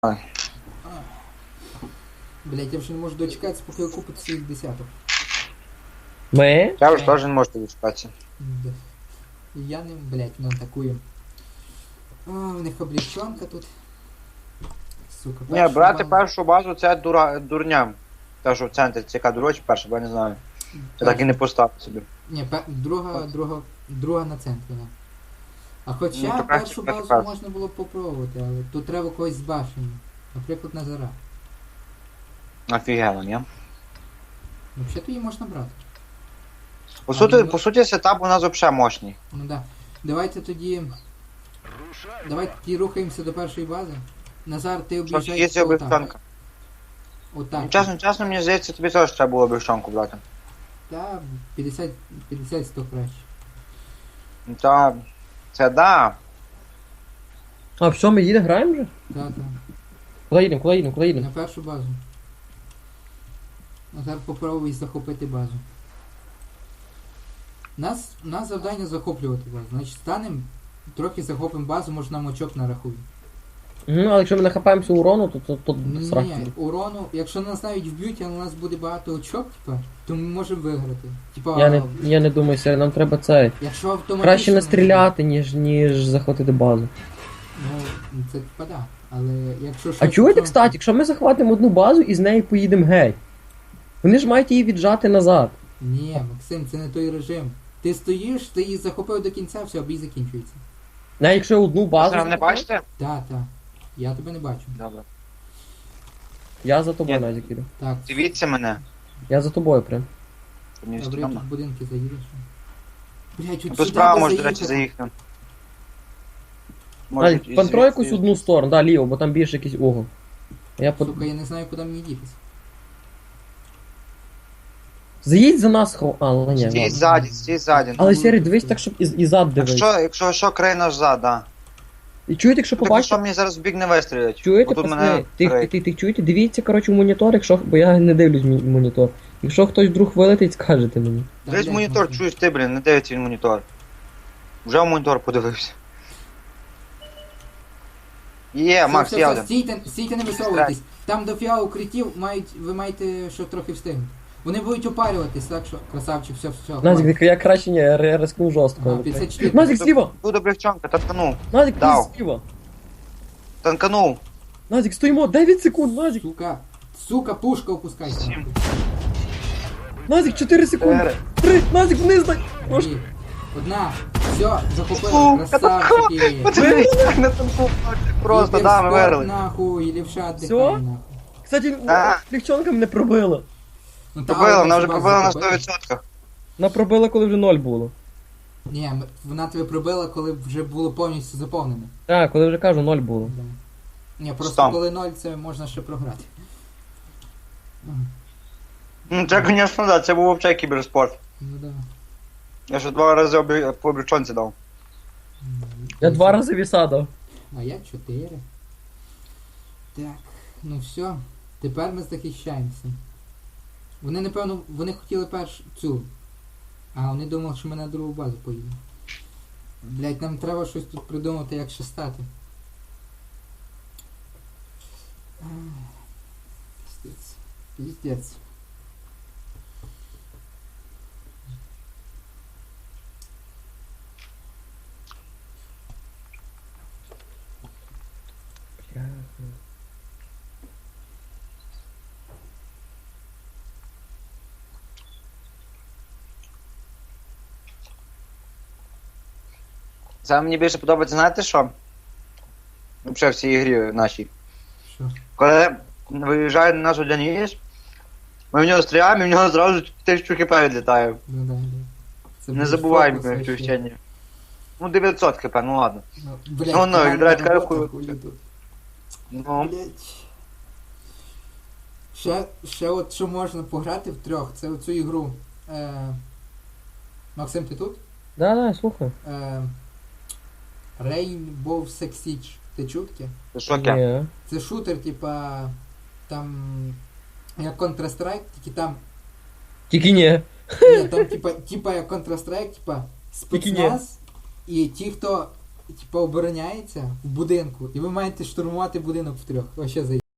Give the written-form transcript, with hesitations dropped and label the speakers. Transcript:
Speaker 1: А,
Speaker 2: Блять, я вже не можу дочекатися, поки купить своїх десяток.
Speaker 3: Ми?
Speaker 1: я вже теж не можу дочекатися.
Speaker 2: Да. І я ним, блять, не атакую. А, у них облегчонка тут. Сука,
Speaker 1: Ні,
Speaker 2: першу
Speaker 1: брати
Speaker 2: базу.
Speaker 1: першу базу це дурня. Те, що в центрі ЦК дурочі перша, бо я не знаю. Я так і не поставив собі.
Speaker 2: Ні, друга на центрі, да. А хоча
Speaker 1: Ну, то краще
Speaker 2: першу
Speaker 1: брати
Speaker 2: базу
Speaker 1: першу.
Speaker 2: можна було б попробувати, але тут треба когось з башені. Наприклад, Назара.
Speaker 1: Офігенно, ні?
Speaker 2: Взагалі її можна брати.
Speaker 1: По суті, сетап у нас взагалі мощний.
Speaker 2: Ну да. Давайте тоді рухаємося до першої бази. Назар, ти
Speaker 1: Що
Speaker 2: об'їжджай.
Speaker 1: є ця облегчонка?
Speaker 2: Отак.
Speaker 1: Чесно, мені здається, тобі теж треба було облегчонку брати.
Speaker 2: Та 50-100 краще.
Speaker 1: Ну, та це да.
Speaker 3: А, все, ми їдемо, граємо вже?
Speaker 2: Так.
Speaker 3: Куди їдемо?
Speaker 2: На першу базу. Назар попробуй захопити базу. Нас завдання захоплювати базу. Значить, станемо, трохи захопимо базу, може нам очок нарахують.
Speaker 3: Але якщо ми нахапаємося урону, то страх.
Speaker 2: Ні, урону, якщо нас навіть вб'ють, але у нас буде багато очок, то ми можемо виграти.
Speaker 3: Я не думаю, Сергій, нам треба це.
Speaker 2: Якщо автоматично...
Speaker 3: Краще настріляти, ніж захватити базу.
Speaker 2: Ну, це да. Але якщо
Speaker 3: А чуєте, кстати, якщо ми захватимо одну базу і з неї поїдемо геть, вони ж мають її віджати назад.
Speaker 2: Ні, Максим, це не той режим. Ти стоїш, ти її захопив до кінця, все, бій закінчується.
Speaker 3: Навіть якщо одну
Speaker 1: Ви
Speaker 3: базу.
Speaker 1: мене бачите?
Speaker 2: Так. Я тебе не бачу.
Speaker 1: Добре.
Speaker 3: Я за тобою
Speaker 1: Ні.
Speaker 3: Назік іду.
Speaker 2: Так,
Speaker 1: Дивіться мене.
Speaker 3: Я за тобою прям.
Speaker 1: Щоб мені
Speaker 2: добре,
Speaker 1: стрімно.
Speaker 2: тут будинки заїдеш. Блять,
Speaker 1: Тут справа може, до речі, заїхати.
Speaker 3: Назік, контроль якусь одну сторону, да, ліво, бо там більше якийсь угол.
Speaker 2: Сука, я не знаю, куди мені дітись.
Speaker 3: Заїдь за нас, але ні.
Speaker 1: Стій ззаді.
Speaker 3: Але Сергій, дивись так, щоб і зад дивись.
Speaker 1: Якщо що, край наш зад, да.
Speaker 3: І чуєте, якщо
Speaker 1: Що
Speaker 3: побачите,
Speaker 1: мені зараз в бік не вистрілять?
Speaker 3: чуєте,
Speaker 1: Бо тут
Speaker 3: пацани,
Speaker 1: мене
Speaker 3: ти чуєте, дивіться, коротше, в монітор, якщо, бо я не дивлюсь монітор. Якщо хтось вдруг вилетить, скажете мені.
Speaker 1: Дивись монітор, чуєш ти, блін, не дивиться він монітор. Вже в монітор подивився. Є, Макс, я один.
Speaker 2: Стійте, не висовуйтесь. Там до фіа укриттів ви маєте що трохи встигнути. Вони будуть опарюватись, так що красавчик, все.
Speaker 3: Назік, я краще ні, я рискну жорстко.
Speaker 2: Ага, 54.
Speaker 3: Назік, зліва!
Speaker 1: Буде облегчонка, танканув.
Speaker 3: Назік,
Speaker 1: Дав.
Speaker 3: пліз зліва!
Speaker 1: Танканув.
Speaker 3: Назік, стоїмо, 9 секунд, Назік!
Speaker 2: Сука, пушка опускайся.
Speaker 1: Сім.
Speaker 3: Назік, 4 секунди! 3, Назік, вниз дай! Ось.
Speaker 2: Ні. Одна. Все, захопили.
Speaker 1: Сука,
Speaker 2: Красавчики.
Speaker 1: Подивись, як на танку. Просто, да, ми
Speaker 2: Кіберспорт,
Speaker 1: виграли.
Speaker 2: нахуй, лівша
Speaker 3: Всьо?
Speaker 2: отдихай, нахуй.
Speaker 3: Кстати,
Speaker 1: А.
Speaker 3: легчонка мене пробила.
Speaker 2: Ну, та,
Speaker 1: Пробила,
Speaker 2: але
Speaker 1: вона вже
Speaker 2: базу
Speaker 1: пробила на
Speaker 2: захопили.
Speaker 1: 100%.
Speaker 3: Вона пробила, коли вже 0 було.
Speaker 2: Ні, вона тебе пробила, коли вже було повністю заповнено.
Speaker 3: Так, коли вже кажу, 0 було.
Speaker 2: Да. Ні, просто
Speaker 1: Стам.
Speaker 2: коли 0, це можна ще програти.
Speaker 1: Ну, це, звісно, да, це був взагалі кіберспорт.
Speaker 2: Ну да.
Speaker 1: Я ще 2 рази по облегчонці дав.
Speaker 3: Я 2 рази віса дав.
Speaker 2: А я 4. Так, ну все. Тепер ми захищаємося. Вони, напевно, вони хотіли цю. А вони думали, що ми на другу базу поїдемо. Блять, нам треба щось тут придумати, як ще стати. Піздець. Піздець.
Speaker 1: Саме мені більше подобається, знаєте що? Взагалі в цій ігрі нашій.
Speaker 2: Що?
Speaker 1: Коли виїжджає на наш Одяніс, ми в нього стріляємо і в нього зразу 1000 хп відлітає.
Speaker 2: Ну да. Це
Speaker 1: Не
Speaker 2: буде
Speaker 1: забуваємо
Speaker 2: фокус
Speaker 1: про
Speaker 2: вообще.
Speaker 1: вчення. Ну 900 хп, ну ладно.
Speaker 2: Ну, блядь,
Speaker 1: Ну,
Speaker 2: командна
Speaker 1: відрать
Speaker 2: робота,
Speaker 1: кайфую.
Speaker 2: хуй тут.
Speaker 1: Ну,
Speaker 2: Блять. Ще от що можна пограти втрьох, це оцю ігру. Максим, ти тут?
Speaker 3: Да, слухай.
Speaker 2: Rainbow Six Siege. Ти чув таке?
Speaker 1: це що таке?
Speaker 3: Ні.
Speaker 2: Це шутер, типа. Там. Як Counter-Strike, тільки там.
Speaker 3: Тільки ні.
Speaker 2: Ні, там типа як Counter-Strike, типа
Speaker 3: Тільки ні.
Speaker 2: спецназ і ті, хто типа обороняється в будинку, і ви маєте штурмувати будинок втрьох. Вообще